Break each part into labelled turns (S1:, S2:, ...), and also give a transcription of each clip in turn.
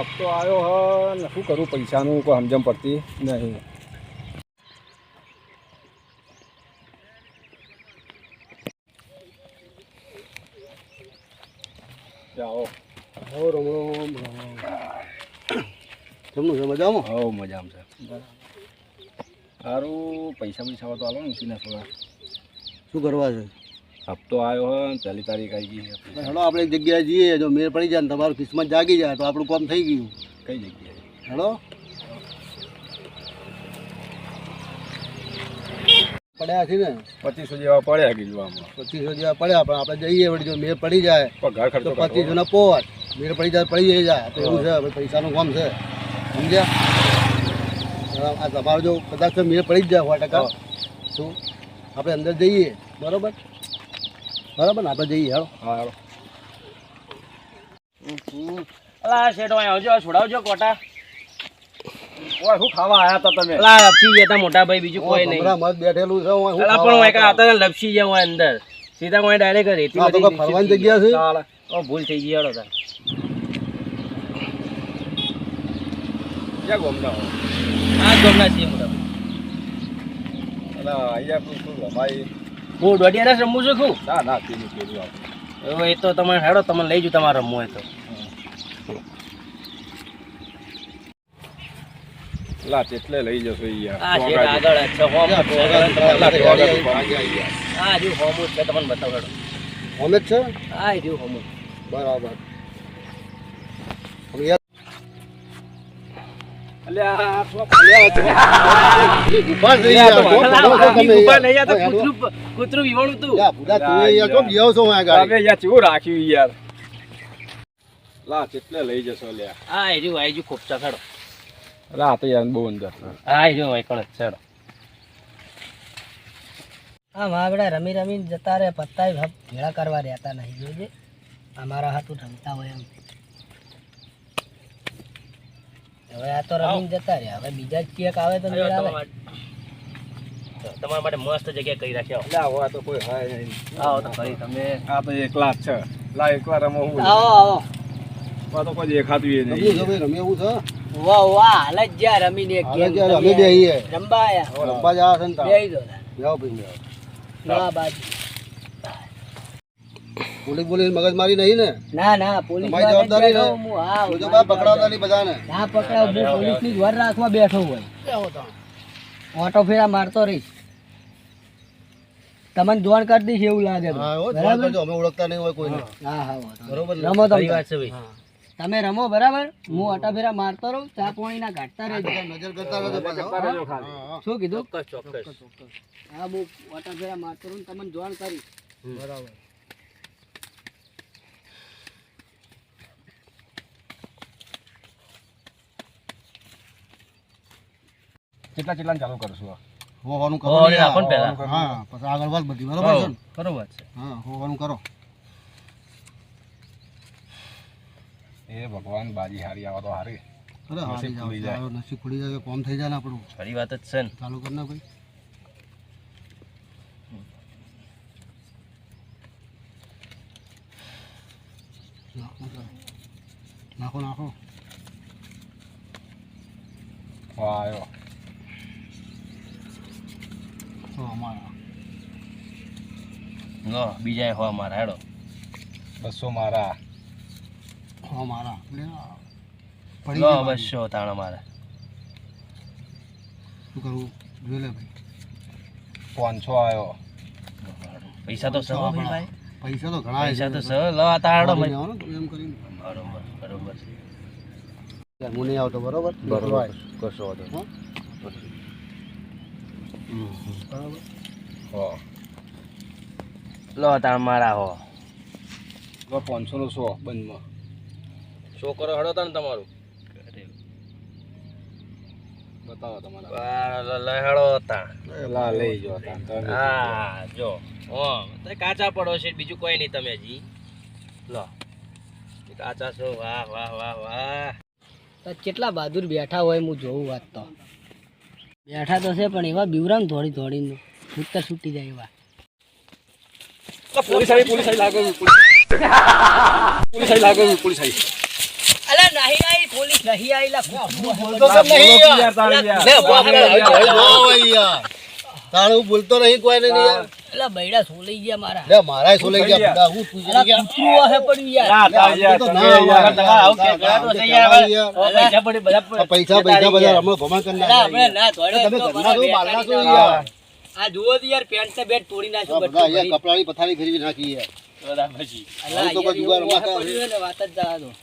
S1: હપ્તો આવ્યો હ ને શું કરું પૈસાનું કોઈ સમજણ પડતી નહીં. જાઓ
S2: હો રમ જમનું છે મજામાં?
S1: હો મજામાં છે. સારું પૈસા પૈસા તો આલો ને ઉસીના થોડા.
S2: શું કરવા છે?
S1: હપ્તો આવ્યો હ ને પહેલી તારીખ આવી ગઈ.
S2: હેડો આપણે એક જગ્યાએ જઈએ, જો મેળ પડી જાય ને તમારું કિસ્મત જાગી જાય તો આપણું કામ થઈ ગયું.
S1: કઈ જગ્યાએ?
S2: હેડો પડ્યા છે ને 2500
S1: જેવા પડ્યા કીધું આમાં.
S2: 2500 જેવા પડ્યા, પણ આપણે જઈએ વળી જો મેળ પડી જાય
S1: ઘર ખર્ચો
S2: તો 2500 ના પોટ મેળ પડી જાય પડી જાય તો એવું છે. ભાઈ પૈસાનું કામ છે, સમજ્યા? આ તમારો જો કદાચ મેળ પડી જ જાય 100%. શું આપણે અંદર જઈએ? બરોબર બરાબર ને? આપણે જઈએ. હેડો.
S1: હા હેડો.
S3: અલા શેઠો આવજો, છોડાવજો કોટા.
S1: ઓય શું ખાવા આયા તા તમે?
S3: અલા લપસી ગયા તા મોટા ભાઈ, બીજું કોઈ નહીં.
S2: હમણાં મત બેઠેલું છે. હું
S3: અલા પણ હું એકા હતા ને લપસી ગયા હું અંદર સીધા કોઈ ડાયરેક્ટ રેતી
S2: આ તો કોઈ ફરવાની જગ્યા છે?
S3: ઓ ભૂલ થઈ ગઈ. હેડો તાર
S1: ક્યાં ગોમના હો?
S3: આ ગમના છીએ મોટા ભાઈ.
S1: અલા અહીંયા શું રમાય?
S3: હું દોઢિયા રમું છું ખું.
S1: ના ના પેલું પેલું આપણે
S3: હવે એ તો તમે હેડો, તમે લઈ જુ તમારે રમવું હોય તો.
S1: લા એટલે લઈ જશો યાર.
S3: આ શેઠ આગળ જ છે હોમ. આ રહ્યું હોમ છે, તમને બતાવો હેડો.
S2: અમે જ છે.
S3: આ રહ્યું હોમ.
S2: બરાબર.
S1: અલ્યા
S3: કૂતરું વિવાણું તું.
S1: ચેવું રાખ્યું યાર. લા એટલે લઈ જશો લ્યા.
S3: આ રહ્યું આઈ ખૂબ ચખડો.
S1: લા તો યાર બહુ અંદર.
S3: આ રહ્યું વાયકળ જ છે.
S4: હા મારા રમી રમીને જતા રહે, પત્તા ભેળા કરવા રહેતા નહીં. જોજે અમારા હાથું રમતા હોય એમ. હવે આ તો રમીને જતા રહ્યા, હવે બીજા જ કેક આવે તો મેળ આવે.
S3: તમારા માટે મસ્ત જગ્યા કરી રાખ્યો.
S1: લા હોય તો કોઈ હોય નહીં.
S3: આવો તો ખરી તમે.
S1: આ તો એકલા જ છે. લા એકલા રમો હું.
S4: આવો આવો.
S1: આ તો કોઈ દેખાતું નહીં.
S2: રમી એવું છે.
S4: વાહ વાહ, હાલ જ જ્યાં રમીને એક ગેમ
S2: અમે બેહીએ
S4: રમવા આયા.
S2: રમવા જ આવે છે ને.
S4: બેહી દો તાર.
S2: જાઓ ભાઈ
S4: ના બાજુ.
S2: પોલીસ બોલીસ મગજ મારી નહીં ને?
S4: ના ના, પોલીસ
S2: તમારી જવાબદારી ને?
S4: હા
S2: જો બા પકડાવતા નહીં બધાને.
S4: ના પકડાવ, હું પોલીસ ની વર રાખવા બેઠો હોય. ઓટો ફેરા મારતો રહીશ, તમને જોણ કરી દઈશ એવું લાગે તો.
S2: હા હો,
S4: બરાબર?
S2: કરજો, અમે ઓળખતા નહીં હોય કોઈને.
S4: હા હા વાંધો નહીં.
S2: બરોબર ને?
S4: રમો
S3: ખરી વાત છે ભાઈ.
S4: તમે રમો બરાબર, હું ઓટા ફેરા મારતો રહું, ચા પાણી ના ઘાટતા રહેજો.
S2: નજર કરતા રહેજો પાછા. હા,
S4: શું કીધું?
S3: ચોક્કસ.
S4: હા હું ઓટા ફેરા મારતો રહું, તમને જોણ કરીશ.
S2: બરાબર.
S1: કેટલા ચાલુ કરશું?
S2: હોવાનું કરો
S3: હોવાનું
S2: ને
S3: રાખો ને
S2: યાર.
S3: પહેલા.
S2: હા પછી આગળ વાત બધી બરોબર છે ને?
S3: બરોબર છે.
S2: હા હોવાનું કરો.
S1: એ ભગવાન બાજી હારી આવા તો હારી.
S2: અરે હારી
S1: નસીબ ખુલી જાય.
S2: જાવ, નસીબ ખુલી જાય, કોમ થઈ જાય ને આપણું.
S3: ખરી વાત જ છે ને.
S2: ચાલુ કર ના ભાઈ. નાખો નાખો.
S1: વાહ આવ્યો.
S2: તો અમારા
S3: લો બીજા હો મારા હેડો.
S1: 200 મારા.
S2: અમારા પડી
S3: લો
S2: ગયા.
S3: 200 તાણ મારા.
S2: શું કરવું જોઈ લે ભાઈ.
S1: 500 આવ્યો.
S3: પૈસા તો સહો ભાઈ ભાઈ.
S2: પૈસા તો ઘણા
S3: પૈસા તો સહો. લો આ તાણ હેડો.
S2: એમ કરીને
S3: બરોબર બરોબર.
S2: હું નહીં આવતો બરોબર.
S1: બરોબર કશો વાંધો
S2: હો?
S1: નહીં.
S2: બરાબર.
S1: હો
S3: લો તાણ મારા હો.
S1: 500 નો 100 બંધમાં.
S3: શો કરો હેડો તાણ તમારું.
S1: બતાવો તમારા.
S3: લે હેડો તાણ.
S1: લા લઈ જો તાન તમે.
S3: હા જો હો તો કાચા પડો છે, બીજું કોઈ નહીં. તમે જી લો કાચા છો. વાહ વાહ વાહ વાહ.
S4: તો કેટલા બહાદુર બેઠા હોય હું જોઉં. વાત તો બેઠા તો છે પણ એવા બીવરામ થોડી થોડી છૂટતા છૂટી જાય એવા.
S1: પોલીસ આવી લાગે. પોલીસ આવી લાગે.
S4: અલા નહીં નહીં પોલીસ નહીં આયેલા
S2: બોલતો કેમ નહીં યાર?
S3: લે, ઉભા
S2: અરે ભાઈ, જો ભાઈ યાર. તારે હું બોલતો નહીં કોઈ ને યાર.
S4: એટલે બૈડા સોલાઈ ગયા મારા
S2: લે મારાય સોલાઈ ગયા બુડા. હું તું
S4: અલા,
S2: ગયા.
S4: કૂતરું વાહે પડ્યું યાર
S2: પૈસા બધા રમણ ભમણ કરી
S4: અલા, આપણે
S2: નાખ્યા.
S4: ના દોડે
S2: તમે
S4: તો
S2: ઘરના છો,
S4: મારા
S2: બહારના છો
S4: બેટાની
S2: યાર.
S4: આ જુઓ તો યાર પેન્ટ ને બેટ તોડી નાખ્યું
S2: બધા
S4: બધું
S2: યાર
S4: ભરી.
S2: કપડાની પથારી ફેરવી નાખી યાર.
S4: અલા,
S2: આવું તો
S4: યાર,
S2: કોઈ જુગાર
S4: એવું વાહે
S2: રમાતા
S4: પડ્યું હોય ને વાત જ જવા દો.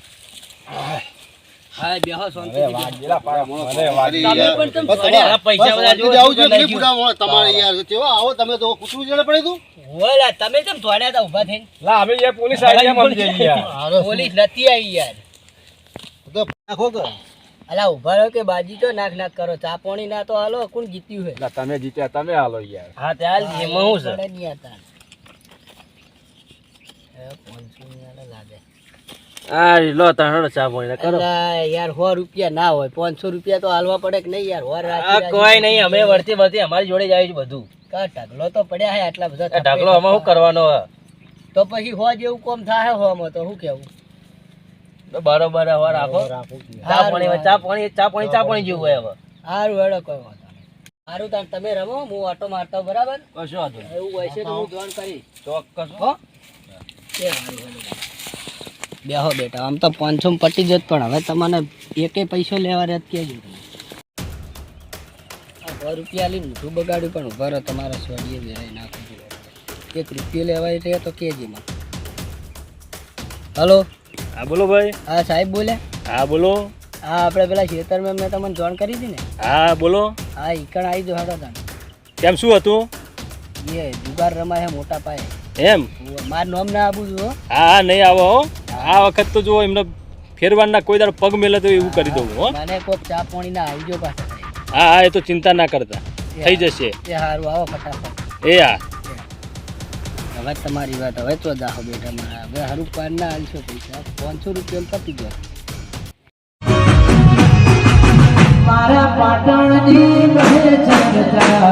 S4: હા બેહો શાંતિથી બેહો.
S2: અરે
S4: તમે
S2: યાર.
S4: પણ તમે
S2: બસ
S4: દોડ્યા.
S2: તમારે-
S3: પૈસા બધા
S2: બસ
S3: જો
S2: આવું જોઈએ
S3: લઈ
S2: કે બુડા મોણા તમારે યાર કેવા આવો તમે તો કૂતરું જડે પડે તું.
S4: હોય લા, તમે કેમ દોડ્યા હતા ઊભા થઈને?
S1: પોલીસ આવી ગયા મને જઈએ યાર.
S2: અરે
S4: પોલીસ નથી આવી યાર.
S2: તો નાખો કે
S4: અલા ઉભા રહો કે બાજી તો નાક નાક કરો ચા પાણી ના તો હાલો કોણ જીત્યું હે
S1: એટલે તમે જીત્યા તમે હાલો યાર.
S3: હા તે હાલ એમાં હું છે
S4: પડે નહીં હતા. એ 500 ની આલે લાગે.
S3: આ લો તાણો ચા પાણી કરો
S4: અલા યાર 100 રૂપિયા ના હોય 500 રૂપિયા તો હાલવા પડે કે નહીં યાર હોર
S3: આ
S4: રાખી
S3: કોઈ નહીં અમે વળતી વળતી અમારી જોડે જાય છે બધું
S4: કા ઢગલો તો પડ્યા હે આટલા બધા
S3: આ ઢગલો આમાં શું કરવાનો હે?
S4: તો પછી હો જેવું કોમ થાય હો માં તો શું કેવું
S3: તો બરોબર હવે રાખો ચા પાણી જેવું હોય હવે
S4: સારું હેડો કોઈ વાંધો નહીં. સારું તાર તમે રમો હું ઓટો મારતો બરાબર
S3: કશો વાંધો નહીં.
S4: એવું હોય છે તો હું જોઈન કરીશ
S3: ચોક્કસ
S4: હો એ હારું હેડો. બેહો બેટા આમ તો 500 માં પટી જત પણ હવે તમને એકે પૈસો લેવા રેત કેજો તમે 100 રૂપિયા લઈને મોઢું બગાડ્યું પણ ઉભા રહો તમારા સ્વડીએ વેરાઈ નાખું છું 1 રૂપિયો લેવાય છે તો કેજે માં. હલો
S3: હા બોલો ભાઈ.
S4: હા સાહેબ બોલ્યા
S3: હા બોલો.
S4: હા આપણે પેલા ખેતરમાં મેં તમને જોઈન કરી હતી ને
S3: હા બોલો.
S4: હા ઈકણ આવી જો હાડો તાણ
S3: કેમ શું હતું?
S4: એ જુગાર રમાય છે મોટા પાયે
S3: એમ?
S4: મારું નામ ના આપું છું હો.
S3: હા હા નહીં આવો હો. આ વખત તો જો એમને ફેરવાના કોઈ દાડો પગ મેલે તો એવું કરી દઉં હો.
S4: મને કોક ચા પાણી ના આવજો પાછા
S3: હા હા એ તો ચિંતા ના કરતા થઈ જશે.
S4: એ સારું આવો ફટાફટ
S3: એ હા
S4: હવે તમારી વાત હવે તો દાહો બેટા મારા હવે સારું પાર ના હાલશો પૈસા 500 રૂપિયા પતી ગયો મારા પાટણની